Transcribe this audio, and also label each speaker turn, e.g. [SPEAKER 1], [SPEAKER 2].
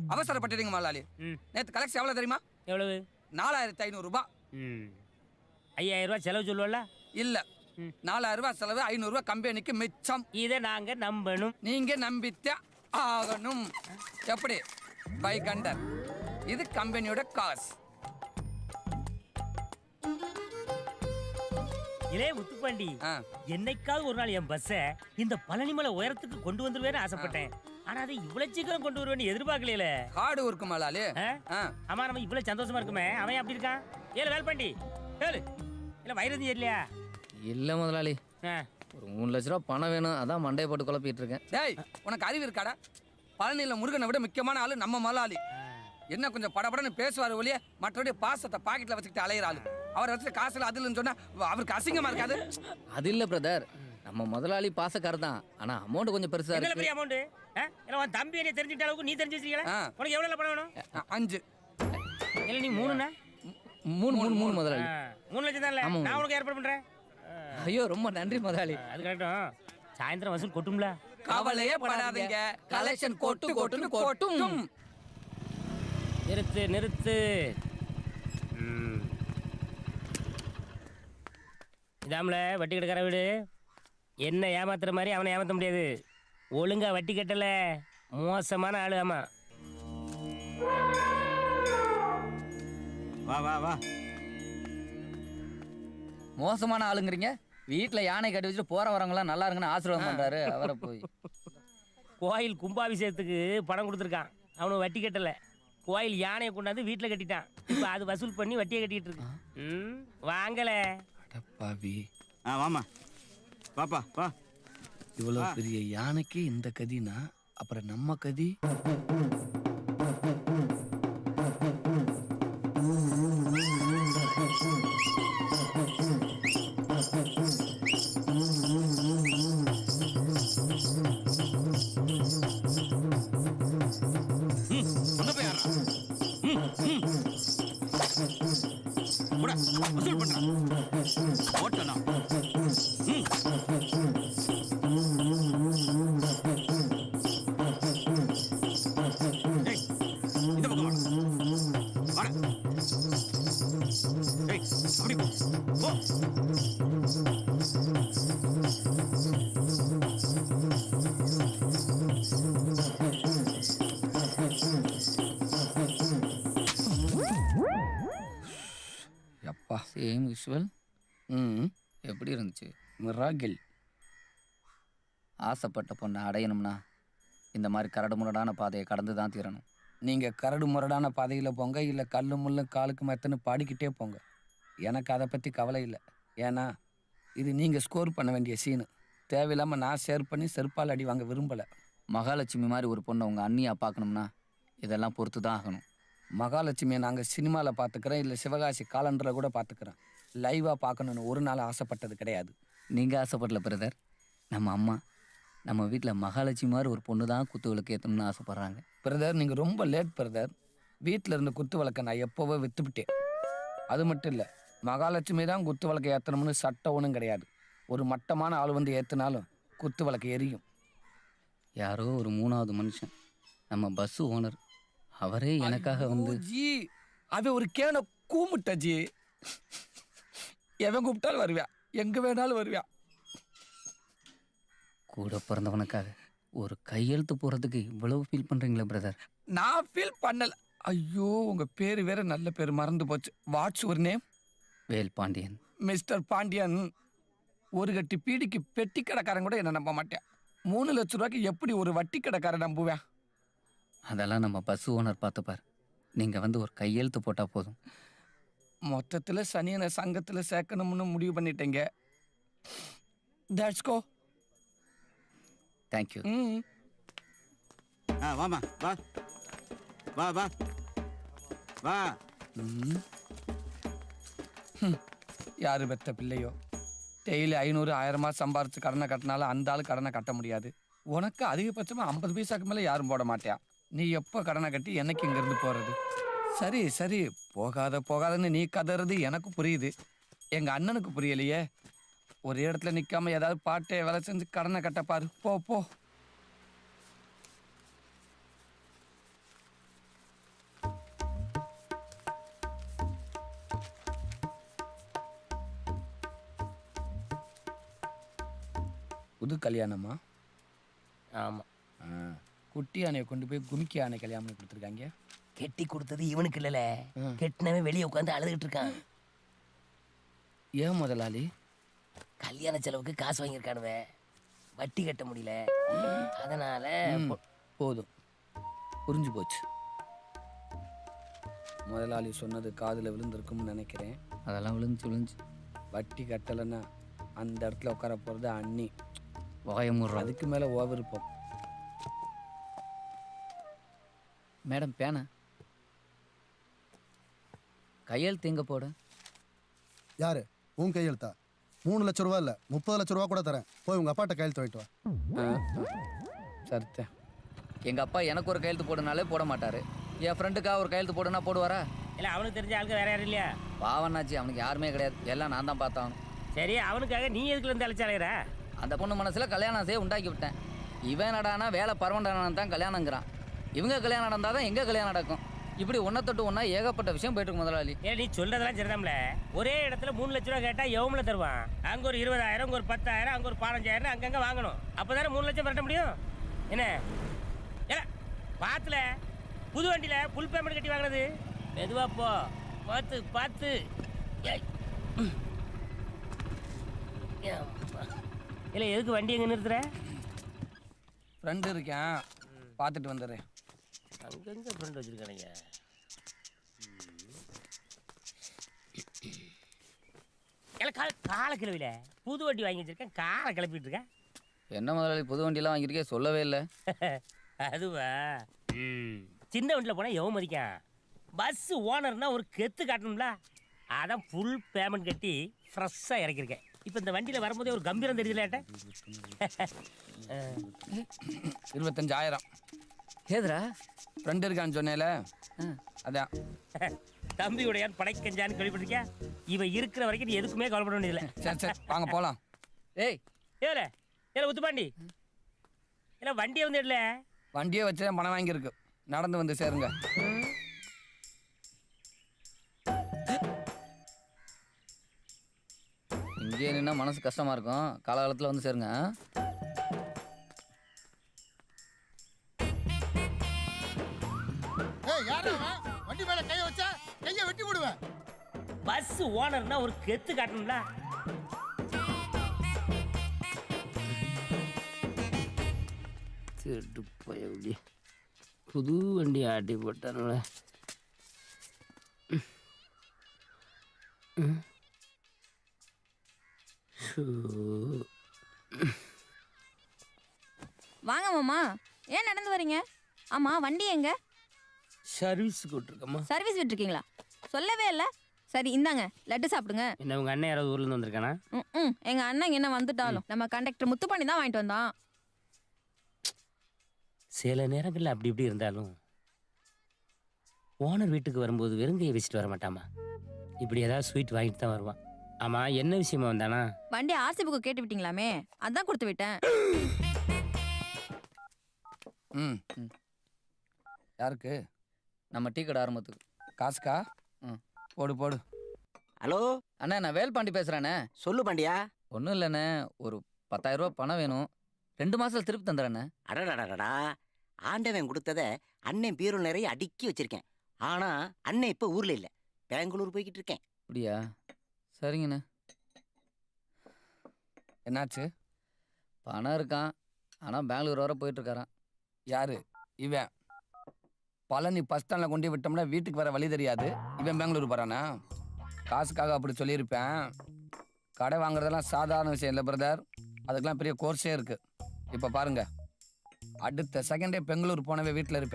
[SPEAKER 1] அவசரப்பட்டுறீங்க முதலாளி. நேற்று கலெக்ஷன் எவ்வளோ தெரியுமா?
[SPEAKER 2] எவ்வளவு?
[SPEAKER 1] 4500 ரூபாய்.
[SPEAKER 2] 5000 ரூபாய் செலவு சொல்லுவல?
[SPEAKER 1] இல்ல, 4000 ரூபாய் செலவு, 500 ரூபாய் கம்பெனிக்கு மிச்சம்.
[SPEAKER 2] இதை நாங்க நம்பணும்.
[SPEAKER 1] நீங்க நம்பித்தே ஆகணும். எப்படி? பை கண்டர். இது கம்பெனியோட காசு.
[SPEAKER 2] இலே முத்துப்பாண்டி, என்னைக்காவது ஒரு நாள் என் பஸ்ஸை இந்த பழனிமலை உயரத்துக்கு கொண்டு வந்துருவேன்னு ஆசைப்பட்டேன். ஆனா அதை இவ்வளவு சீக்கிரம் கொண்டு வருவேன்னு எதிர்பார்க்கல.
[SPEAKER 1] காடு இருக்கு மலாலி.
[SPEAKER 2] ஆமா, நம்ம இவ்வளவு சந்தோஷமா இருக்குமே, அவன் அப்படி இருக்கான். ஏழு வேல்பாண்டி ஏழு இல்ல வைரதி இல்லையா?
[SPEAKER 3] இல்ல முதலாளி, ஒரு 3 லட்ச ரூபா பணம் வேணும், அதான் மண்டையை போட்டு குழப்பிட்டு இருக்கேன்.
[SPEAKER 1] டேய், உனக்கு அறிவு இருக்காடா? பழனியில முருகனை விட முக்கியமான ஆளு நம்ம மலாலி. என்ன கொஞ்சம் படபடன்னு பேசுவார் ஒழிய மற்றபடி பாசத்தை பாக்கெட்ல வச்சுக்கிட்டு அலையிற ஆளு. அவர் வச்சு காசுல அதுலன்னு சொன்னா அவருக்கு அசிங்கமா இருக்காது?
[SPEAKER 3] அது இல்ல பிரதர், நம்ம முதலாளி பாசக்காரர் தான், ஆனா அமௌண்ட் கொஞ்சம் பெருசா இருக்கு.
[SPEAKER 2] பெரிய அமௌண்ட். உன் தம்பி என்ன தெரிஞ்சுட்ட அளவுக்கு நீ தெரிஞ்சு வச்சிருக்கீங்களா? உனக்கு எவ்வளவு பணம் வேணும்?
[SPEAKER 1] 5.
[SPEAKER 2] இல்ல நீ 3னா?
[SPEAKER 3] 3 முதலாளி.
[SPEAKER 2] 3 லட்சம் தான். நான் உனக்கு ஏற்பாடு பண்றேன்.
[SPEAKER 3] ஐயோ ரொம்ப நன்றி முதலாளி.
[SPEAKER 2] அது கரெக்டும். சாயந்தரம் வசூல் கொட்டும்ல?
[SPEAKER 1] கவலையே படாதீங்க, கலெக்ஷன் கொட்டுன்னு கொட்டும்.
[SPEAKER 2] நிறுத்து. இதாமல வட்டி கட்டுக்கிற வீடு. என்ன ஏமாத்துற மாதிரி அவனை ஏமாத்த முடியாது. ஒழுங்கா வட்டி கட்டல, மோசமான ஆளு. ஆமா,
[SPEAKER 4] வா வா வா.
[SPEAKER 3] மோசமான ஆளுங்கிறீங்க? வீட்டுல யானை கட்டி வச்சுட்டு போற வரவங்களாம் நல்லா இருக்குன்னு ஆசீர்வாதம் பண்றாரு. அவரை போய்
[SPEAKER 2] கோயில் கும்பாபிஷேகத்துக்கு பணம் கொடுத்துருக்கான், அவனு வட்டி கட்டல. கோயில் யானையை கொண்டாந்து வீட்டுல கட்டிட்டான். இப்ப அது வசூல் பண்ணி வட்டியை கட்டிட்டு இருக்கு. வாங்கல
[SPEAKER 1] பாவி.
[SPEAKER 4] வாமா பாப்பா வா.
[SPEAKER 1] இவ்வளவு பெரிய யானைக்கு இந்த கதினா அப்புறம் நம்ம கதி.
[SPEAKER 4] வசூல் பண்றான் ஓட்டனா. இந்த பக்கம் வாடா. அப்படி போ.
[SPEAKER 3] அப்பா சேம் விஷுவல். எப்படி இருந்துச்சு?
[SPEAKER 1] மிராகில்.
[SPEAKER 3] ஆசைப்பட்ட பொண்ணை அடையணும்னா இந்த மாதிரி கரடு முரடான பாதையை கடந்து தான் தீரணும்.
[SPEAKER 1] நீங்கள் கரடு முரடான பாதையில் போங்க, இல்லை கல்லு முள்ளு காலுக்கு மெத்தன்னு பாடிக்கிட்டே போங்க. எனக்கு அதை பற்றி கவலை இல்லை. ஏன்னா இது நீங்கள் ஸ்கோர் பண்ண வேண்டிய சீனு. தேவையில்லாமல் நான் ஷேர் பண்ணி செருப்பால் அடி வாங்க விரும்பலை.
[SPEAKER 3] மகாலட்சுமி மாதிரி ஒரு பொண்ணை உங்கள் அண்ணியாக பார்க்கணும்னா இதெல்லாம் பொறுத்து தான் ஆகணும்.
[SPEAKER 1] மகாலட்சுமியை நாங்கள் சினிமாவில் பார்த்துக்கிறோம், இல்லை சிவகாசி காலண்டரில் கூட பார்த்துக்கிறோம். லைவாக பார்க்கணுன்னு ஒரு நாள் ஆசைப்பட்டது கிடையாது.
[SPEAKER 3] நீங்கள் ஆசைப்படல பிரதர். நம்ம அம்மா நம்ம வீட்டில் மகாலட்சுமி மாதிரி ஒரு பொண்ணு தான் குத்து விளக்கு ஏற்றணும்னு ஆசைப்பட்றாங்க.
[SPEAKER 1] பிரதர், நீங்கள் ரொம்ப லேட் பிரதர். வீட்டில் இருந்த குத்து விளக்கை நான் எப்போவோ விற்றுவிட்டேன். அது மட்டும் இல்லை, மகாலட்சுமி தான் குத்து விளக்கை ஏற்றணும்னு சட்டம் ஒன்றும் கிடையாது. ஒரு மட்டமான ஆள் வந்து ஏற்றினாலும் குத்து விளக்கு எரியும்.
[SPEAKER 3] யாரோ ஒரு 3வது மனுஷன், நம்ம பஸ்ஸு ஓனர், அவரே எனக்காக வந்து
[SPEAKER 1] ஜி அவன் ஒரு கேனை கூமுட்ட ஜி. எவன் கூப்பிட்டாலும் வருவியா, எங்கே வேணாலும் வருவியா.
[SPEAKER 3] கூட பிறந்தவனுக்காக ஒரு கையெழுத்து போகிறதுக்கு இவ்வளவு ஃபீல் பண்ணுறீங்களா பிரதர்?
[SPEAKER 1] நான் ஃபீல் பண்ணல. ஐயோ, உங்கள் பேர் வேற நல்ல பேர் மறந்து போச்சு. What's your name?
[SPEAKER 3] Vel Pandian.
[SPEAKER 1] Mister Pandian. ஒரு கட்டி பீடிக்கு பெட்டி கடைக்காரன் கூட என்ன நம்ப மாட்டேன். 3 லட்ச ரூபாய்க்கு எப்படி ஒரு வட்டி கடைக்காரன் நம்புவேன்?
[SPEAKER 3] அதெல்லாம் நம்ம பஸ் ஓனர் பார்த்துப்பார். நீங்கள் வந்து ஒரு கையெழுத்து போட்டால் போதும்.
[SPEAKER 1] மொத்தத்தில் சனியனை சங்கத்தில் சேர்க்கணும்னு முடிவு பண்ணிட்டேங்க. That's go.
[SPEAKER 3] தேங்க்யூ.
[SPEAKER 4] வாமா வா வா வா வா.
[SPEAKER 1] யாரு பெத்த பிள்ளையோ, டெய்லி 500 1000 சம்பாரிச்சு கடனை கட்டினாலும் அந்த ஆள் கடனை கட்ட முடியாது. உனக்கு அதிகபட்சமாக 50 பைசாக்கு மேலே யாரும் போட மாட்டியா. நீ எப்போ கடனை கட்டி எனக்கு இங்கேருந்து போகிறது? சரி சரி, போகாதன்னு நீ கதறது எனக்கு புரியுது. எங்கள் அண்ணனுக்கு புரியலையே. ஒரே இடத்துல நிற்காம ஏதாவது பாட்டை வேலை செஞ்சு கடனை கட்டப்பாரு. போ போ. புது கல்யாணமா?
[SPEAKER 2] ஆமா.
[SPEAKER 1] குட்டி யானையை கொண்டு போய் குமிக்கி யானை கல்யாணம் பண்ணி கொடுத்துருக்காங்க.
[SPEAKER 2] கெட்டி கொடுத்தது இவனுக்கு இல்லல,
[SPEAKER 1] ம்.
[SPEAKER 2] கெட்டினவன் வெளியே உட்காந்து அழுதுகிட்டு இருக்கான்.
[SPEAKER 1] ஏன் முதலாளி?
[SPEAKER 2] கல்யாண செலவுக்கு காசு வாங்கியிருக்கானுவ, வட்டி கட்ட முடியல, அதனால
[SPEAKER 1] போதும், புரிஞ்சு போச்சு. முதலாளி சொன்னது காதில் விழுந்திருக்கும்னு நினைக்கிறேன்.
[SPEAKER 3] அதெல்லாம் விழுந்துச்சு.
[SPEAKER 1] வட்டி கட்டலைன்னா அந்த இடத்துல உட்கார போகிறது அண்ணி.
[SPEAKER 3] வாயமுடுறோம்.
[SPEAKER 1] அதுக்கு மேலே விருப்பம்.
[SPEAKER 3] மேடம் பேனை கையெழுத்து எங்கே போட?
[SPEAKER 5] யாரு உன் கையெழுத்தா? 3 லட்ச ரூபா இல்லை 30 லட்ச ரூபா கூட தரேன். போய் உங்கள் அப்பாட்ட கையெழுத்து வாங்கிட்டு வா.
[SPEAKER 1] சரித்தேன்.
[SPEAKER 3] எங்கள் அப்பா எனக்கு ஒரு கையெழுத்து போடுனாலே போட மாட்டார். என் ஃப்ரெண்டுக்காக ஒரு கையெழுத்து போடுனா போடுவாரா?
[SPEAKER 2] இல்லை, அவனுக்கு தெரிஞ்ச ஆளுக்கு வேற யாரும் இல்லையா?
[SPEAKER 3] பாவனாச்சு, அவனுக்கு யாருமே கிடையாது. எல்லாம் நான் தான் பார்த்தான்.
[SPEAKER 2] சரி, அவனுக்காக நீ எதுக்குல இருந்து அழைச்சாலையிற?
[SPEAKER 3] அந்த பொண்ணு மனசில் கல்யாணம் செய்ய உண்டாக்கி விட்டேன். இவன் நடானா வேலை பரவண்டான தான் கல்யாணங்கிறான். இவங்க கல்யாணம் நடந்தால் தான் எங்கே கல்யாணம் நடக்கும். இப்படி ஒன்றை தொட்டு ஒன்றா ஏகப்பட்ட விஷயம் போயிட்டு இருக்கு முதலாளி.
[SPEAKER 2] ஏன் நீ சொல்றதெல்லாம் சரிதான்ல. ஒரே இடத்துல 3 லட்ச ரூபா கேட்டா எவ்வளோ தருவான்? அங்க ஒரு 20,000, அங்க ஒரு 10,000, அங்க ஒரு 15,000 அங்கங்க வாங்கணும். அப்பதானே 3 லட்சம் பரட்ட முடியும். என்ன ஏல பாத்துல புது வண்டியில புல் பேமெண்ட் கட்டி வாங்கினது? மெதுவா போ, பார்த்து பார்த்து. இல்லை, எதுக்கு வண்டி எங்க நிறுத்துற?
[SPEAKER 1] ஃப்ரெண்டு இருக்கேன், பார்த்துட்டு வந்துடுறேன்.
[SPEAKER 2] அங்கங்க ஃப்ரெண்ட் வச்சிருக்கானுங்க. காலை கிளவில புது வண்டி வாங்கி வச்சிருக்கேன், காலை கிளப்பிட்டு இருக்கேன்.
[SPEAKER 3] என்ன முதலாளி புது வண்டியெல்லாம் வாங்கியிருக்கே, சொல்லவே இல்லை.
[SPEAKER 2] அதுவா? சின்ன வண்டியில் போனால் எவன் மதிக்கான்? பஸ் ஓனர்னா ஒரு கெத்து காட்டணும்ல, அதான் ஃபுல் பேமெண்ட் கட்டி ஃப்ரெஷ்ஷாக இறக்கிருக்கேன். இப்போ இந்த வண்டியில் வரும்போதே ஒரு கம்பீரம் தெரியுதுல ஏட்ட.
[SPEAKER 1] 25,000.
[SPEAKER 3] ஏதுரா?
[SPEAKER 1] ஃப்ரெண்டு இருக்கான்னு சொன்னேல, அதான்.
[SPEAKER 2] தம்பியுடையான் படைக்கஞ்சான்னு கேள்விப்பட்டிருக்கியா? இவன் இருக்கிற வரைக்கும் நீ எதுக்குமே கவலைப்பட வேண்டியதில்லை.
[SPEAKER 1] சரி சரி, வாங்க போகலாம்.
[SPEAKER 3] ஏய்
[SPEAKER 2] ஏல ஏல உத்துப்பாண்டி, இல்லை வண்டியை வந்து இடல.
[SPEAKER 1] வண்டியை வச்சு தான் பணம் வாங்கியிருக்கு. நடந்து வந்து சேருங்க.
[SPEAKER 3] இங்கேயே நின்னா மனசு கஷ்டமா இருக்கும். காலகாலத்தில் வந்து சேருங்க.
[SPEAKER 5] ஏய் யாரா அவன்? வண்டி மேல கைய வச்சா கைய வெட்டி போடுவேன்.
[SPEAKER 2] பஸ் ஓனர்னா ஒரு கெத்து காட்டணும்ல. திருட்டு போய் புது வண்டி ஆட்டி போட்டானுல.
[SPEAKER 6] வாங்க மாமா, ஏன் நடந்து வரீங்க? ஆமா, வண்டி எங்க?
[SPEAKER 2] சர்வீஸ் கூட்டிருக்கம்மா.
[SPEAKER 6] சர்வீஸ் விட்டுருக்கீங்களா? சொல்லவே இல்லை. சரி இந்தாங்க, லட்டு சாப்பிடுங்க.
[SPEAKER 2] என்ன உங்க அண்ணன் யாராவது ஊர்ல இருந்து வந்திருக்கானா?
[SPEAKER 6] ம், எங்க அண்ணன் என்ன வந்துட்டாலும் நம்ம கண்டக்டர் முத்து பண்ணி தான் வாங்கிட்டு வந்தான்.
[SPEAKER 2] சில நேரங்களில் அப்படி இப்படி இருந்தாலும் ஓனர் வீட்டுக்கு வரும்போது வெறுங்கையை வச்சுட்டு வர மாட்டாமா. இப்படி ஏதாவது ஸ்வீட் வாங்கிட்டு தான் வருவான். ஆமா, என்ன விஷயமா வந்தானா?
[SPEAKER 6] வண்டி ஆர்சி புக்கு கேட்டு விட்டீங்களாமே, அதான் கொடுத்து விட்டேன்.
[SPEAKER 1] ம். யாருக்கு?
[SPEAKER 3] நம்ம டீ கடை ஆரம்பத்துக்கு.
[SPEAKER 1] காசுக்கா? போடு போடு.
[SPEAKER 7] ஹலோ
[SPEAKER 3] அண்ணா, நான் வேல்பாண்டி பேசுகிறேண்ணே.
[SPEAKER 7] சொல்லு பாண்டியா.
[SPEAKER 3] ஒன்றும் இல்லைண்ணே, ஒரு 10,000 ரூபா பணம் வேணும். 2 மாதத்தில் திருப்பி தந்துடுறேண்ணே.
[SPEAKER 7] அடடடடா, ஆண்டவன் கொடுத்தத அண்ணன் பீரோல் நிறைய அடுக்கி வச்சிருக்கேன். ஆனா அண்ணன் இப்ப ஊர்ல இல்ல, பெங்களூர் போய்கிட்டு இருக்கேன்.
[SPEAKER 3] அப்படியா? சரிங்கண்ணே.
[SPEAKER 1] என்னாச்சு?
[SPEAKER 3] பணம் இருக்கான், ஆனால் பெங்களூர் வர போயிட்டுருக்காரான்.
[SPEAKER 1] யாரு இவன்? பழனி பஸ் ஸ்டாண்டில் கொண்டு விட்டோம்னா வீட்டுக்கு வர வழி தெரியாது. இவன் பெங்களூர் போகிறானா? காசுக்காக அப்படி சொல்லியிருப்பேன். கடை வாங்குறதெல்லாம் சாதாரண விஷயம் இல்லை பிரதர், அதுக்கெல்லாம் பெரிய கோர்ஸே இருக்குது. இப்போ பாருங்க, அடுத்த செகண்டே பெங்களூர் போனவே வீட்டில் இருப்பேன்.